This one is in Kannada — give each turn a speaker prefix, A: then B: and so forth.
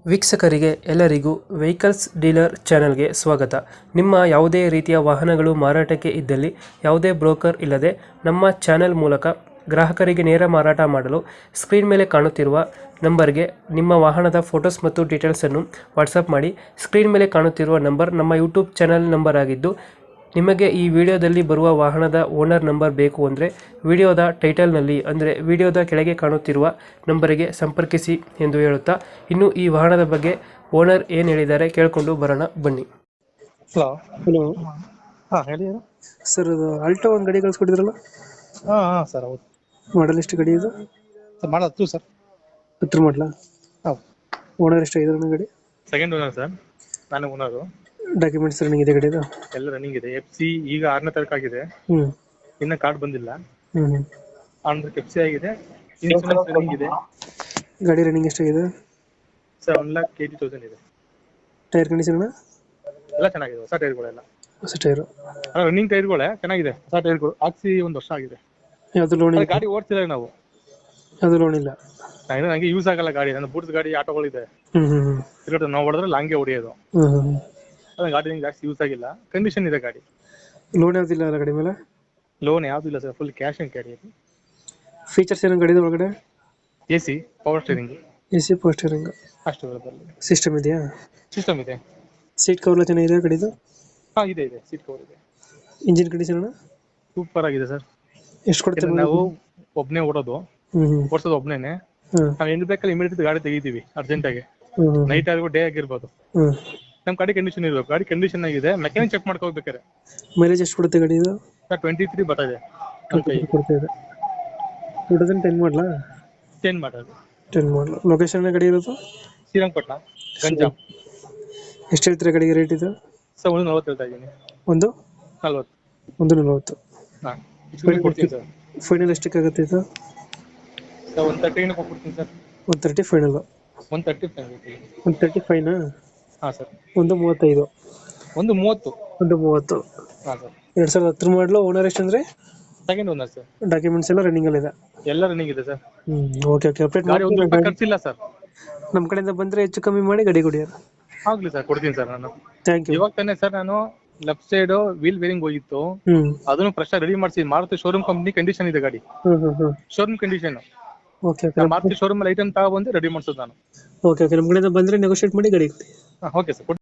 A: ವೀಕ್ಷಕರಿಗೆ ಎಲ್ಲರಿಗೂ ವೆಹಿಕಲ್ಸ್ ಡೀಲರ್ ಚಾನೆಲ್ಗೆ ಸ್ವಾಗತ. ನಿಮ್ಮ ಯಾವುದೇ ರೀತಿಯ ವಾಹನಗಳು ಮಾರಾಟಕ್ಕೆ ಇದ್ದಲ್ಲಿ ಯಾವುದೇ ಬ್ರೋಕರ್ ಇಲ್ಲದೆ ನಮ್ಮ ಚಾನೆಲ್ ಮೂಲಕ ಗ್ರಾಹಕರಿಗೆ ನೇರ ಮಾರಾಟ ಮಾಡಲು ಸ್ಕ್ರೀನ್ ಮೇಲೆ ಕಾಣುತ್ತಿರುವ ನಂಬರ್ಗೆ ನಿಮ್ಮ ವಾಹನದ ಫೋಟೋಸ್ ಮತ್ತು ಡೀಟೇಲ್ಸನ್ನು ವಾಟ್ಸಪ್ ಮಾಡಿ. ಸ್ಕ್ರೀನ್ ಮೇಲೆ ಕಾಣುತ್ತಿರುವ ನಂಬರ್ ನಮ್ಮ ಯೂಟ್ಯೂಬ್ ಚಾನೆಲ್ ನಂಬರ್ ಆಗಿದ್ದು, ನಿಮಗೆ ಈ ವಿಡಿಯೋದಲ್ಲಿ ಬರುವ ವಾಹನದ ಓನರ್ ನಂಬರ್ ಬೇಕು ಅಂದರೆ ವಿಡಿಯೋದ ಟೈಟಲ್ನಲ್ಲಿ ಅಂದರೆ ವಿಡಿಯೋದ ಕೆಳಗೆ ಕಾಣುತ್ತಿರುವ ನಂಬರಿಗೆ ಸಂಪರ್ಕಿಸಿ ಎಂದು ಹೇಳುತ್ತಾ, ಇನ್ನು ಈ ವಾಹನದ ಬಗ್ಗೆ ಓನರ್ ಏನು ಹೇಳಿದ್ದಾರೆ ಕೇಳಿಕೊಂಡು ಬರೋಣ ಬನ್ನಿ.
B: ಹಲೋ.
A: ಹಲೋ
B: ಹಾಂ ಹೇಳಿ ಯಾರು?
A: ಸರ್, ಅದು ಆಲ್ಟೋ ಒಂದು ಗಾಡಿ ಕಳಿಸ್ಕೊಟ್ಟಿದ್ರಲ್ಲ,
B: ಹಾಂ ಸರ್ ಹೌದು
A: ಮಾಡಲ್ ಎಷ್ಟು ಗಾಡಿ ಇದು?
B: ಸರ್ ಮಾಡತ್ತು ಸರ್.
A: ಹತ್ರ ಮಾಡಲ.
B: ಹೌದು,
A: ಓನರ್ ಎಷ್ಟಾಗಿದೆ ಗಾಡಿ?
B: ಸೆಕೆಂಡ್ ಓನರ್ ಸರ್, ನಾನು ಓನರು.
A: ಡಾಕ್ಯುಮೆಂಟ್ಸ್ ರನ್ನಿಂಗ್ ಇದೆ ಗಾಡಿದು?
B: ಎಲ್ಲ ರನ್ನಿಂಗ್ ಇದೆ. FC ಈಗ 6ನೇ ತಾರೀಕು ಆಗಿದೆ,
A: ಹ್ಞೂ
B: ಇನ್ನ ಕಾರ್ಡ್ ಬಂದಿಲ್ಲ.
A: ಹ್ಞೂ
B: ಆಂಧ್ರ FC ಆಗಿದೆ, ಇನ್ಶೂರೆನ್ಸ್ ರನ್ನಿಂಗ್ ಇದೆ.
A: ಗಾಡಿ ರನ್ನಿಂಗ್ ಎಷ್ಟಾಗಿದೆ
B: ಸರ್ 1,80,000 ಇದೆ.
A: Tyre condition?
B: ಎಲ್ಲ ಚೆನ್ನಾಗಿದೆ, ಹೊಸ ಟೈರ್ಗಳೆಲ್ಲ.
A: ಹೊಸ ಟೈರು?
B: ರನ್ನಿಂಗ್ ಟೈರ್ಗಳೇ ಚೆನ್ನಾಗಿದೆ, ಹೊಸ ಟೈರ್ಗಳು ಹಾಕ್ಸಿ 1 ವರ್ಷ ಆಗಿದೆ.
A: ಯಾವುದು ಲೋನ್ ಇಲ್ಲ?
B: ಗಾಡಿ ಓಡ್ತಿಲ್ಲ ನಾವು.
A: ಯಾವುದು ಲೋನ್ ಇಲ್ಲ?
B: ನಂಗೆ ಯೂಸ್ ಆಗಲ್ಲ ಗಾಡಿ, ನನ್ನ ಬೂಟ್ಸ್ ಗಾಡಿ ಆಟೋಗಳಿದೆ.
A: ಹ್ಞೂ
B: ನಾವು ಹೊಡೆದ್ರೆ ಲಾಂಗೆ ಹೊಡೆಯೋದು.
A: ಹ್ಞೂ
B: ಗಾಡಿ ನಂಗೆ ಜಾಸ್ತಿ ಯೂಸ್ ಆಗಿಲ್ಲ, ಕಂಡೀಷನ್ ಇದೆ ಗಾಡಿ.
A: ಲೋನ್ ಯಾವ್ದಿಲ್ಲ ಅಲ್ಲ ಗಾಡಿ ಮೇಲೆ?
B: ಲೋನ್ ಯಾವ್ದು ಇಲ್ಲ sir, full cash and carry.
A: Features ಏನೋ ಗಾಡಿದ ಒಳಗಡೆ?
B: AC, power steering,
A: AC, power steering,
B: ಅಷ್ಟು ಬರೋದಲ್ಲಿ.
A: ಸಿಸ್ಟಮ್ ಇದೆಯಾ?
B: ಸಿಸ್ಟಮ್ ಇದೆ.
A: ಸೀಟ್ ಕವರ್ ಚೆನ್ನಾಗಿದೆ ಗಾಡಿದು?
B: ಹಾ ಇದೆ, ಸೀಟ್ ಕವರ್ ಇದೆ.
A: Engine condition?
B: ಸೂಪರ್ ಆಗಿದೆ ಸರ್.
A: ಎಷ್ಟು ಕೊಡ್ತಾರೆ?
B: ನಾವು ಒಬ್ನೇ ಓಡೋದು, ಓಡಿಸೋದು ಒಬ್ನೇನೆ. ನಾವು ಹೆಂಗ್ ಬೇಕಲ್ಲಿ ಇಮಿಡಿಯೇಟ್ ಗಾಡಿ ತೆಗಿತೀವಿ ಅರ್ಜೆಂಟ್ ಆಗಿ, ನೈಟ್ ಆಗಿರ್ಬೋದು ಡೇ ಆಗಿರ್ಬೋದು. ನಮ್ ಗಾಡಿ ಕಂಡೀಷನ್ ಇರ್ಬೇಕು, ಗಾಡಿ ಕಂಡೀಷನ್ ಆಗಿದೆ, ಮೆಕ್ಯಾನಿಕ್ ಚೆಕ್ ಮಾಡ್ಕೋಬೇಕಾರೆ.
A: ಮೈಲೇಜ್ ಎಷ್ಟು ಕೊಡುತ್ತೆ ಗಾಡಿ ಇದು?
B: 23 ಬರ್ತಾ ಇದೆ.
A: 2010 ಮಾಡಲಾ?
B: 10 ಮಾಡೋದು.
A: 10 ಮಾಡಲ್. ಲೊಕೇಶನ್ ಗಾಡಿ ಇರೋದು?
B: ಶ್ರೀರಂಗಪಟ್ಟಣ, ಗಂಜಾಮ್.
A: ಎಷ್ಟು ಹೇಳ್ತೀರಾ ಗಾಡಿಗೆ ರೇಟ್ ಇದು?
B: ಸರ್ 140 ಹೇಳ್ತಾ ಇದ್ದೀನಿ.
A: 140?
B: 140. ಹಾ, ಕೊಡ್ತೀನಿ ಸರ್.
A: ಫೈನಲ್ ಎಷ್ಟಕ್ಕಾಗುತ್ತೆ ಇದು?
B: ಸರ್ 130 ಕೊಡ್ತೀನಿ ಸರ್.
A: 130 ಫೈನಲ್?
B: 130 ಫೈನಲ್.
A: 135ನಾ?
B: ಹಾ ಸರ್.
A: 135?
B: 130.
A: 130.
B: ಹಾ ಸರ್.
A: 2010 ಮಾಡಲು. ಓನರ್ ಎಷ್ಟು ಅಂದ್ರೆ?
B: Second owner sir.
A: ಡಾಕ್ಯುಮೆಂಟ್ಸ್ ಎಲ್ಲ ರನ್ನಿಂಗ್ ಅಲ್ಲಿ ಇದೆ?
B: ಎಲ್ಲ ರನ್ನಿಂಗ್ ಇದೆ ಸರ್.
A: ಓಕೆ ಅಪ್ಡೇಟ್
B: ಗಾಡಿ 1 ರೂಪಾಯಿ ಖರ್ಚಿಲ್ಲ ಸರ್.
A: ನಮ್ಮ ಕಡೆಯಿಂದ ಬಂದ್ರೆ ಹೆಚ್ಚು ಕಮ್ಮಿ ಮಾಡಿ ಗಾಡಿ ಕೊಡಿ.
B: ಆಗ್ಲಿ ಸರ್, ಕೊಡ್ತೀನಿ ಸರ್ ನಾನು.
A: Thank you.
B: ಇವಾಗ ತಾನೇ ಸರ್ ನಾನು ಲೆಫ್ಟ್ ಸೈಡ್ ವೀಲ್ ಬೇರಿಂಗ್ ಹೋಗಿತ್ತು, ಅದನ್ನು ಫ್ರೆಶ್ ರೆಡಿ ಮಾಡಿಸಿ. ಮಾರುತಿ ಶೋರೂಮ್ ಕಂಪ್ನಿ ಕಂಡೀಷನ್ ಇದೆ ಗಾಡಿ, showroom condition.
A: Okay
B: Maruti showroom ಅಲ್ಲಿ ಐಟಮ್ ತಗೊಂಡ್ಬಂದು ರೆಡಿ ಮಾಡಿಸೋದು ನಾನು.
A: ಓಕೆ ನಮ್ಮ ಕಡೆಯಿಂದ ಬಂದ್ರೆ ನೆಗೋಶಿಯೇಟ್ ಮಾಡಿ ಗಾಡಿ ಕೊಡಿ.
B: Okay sir.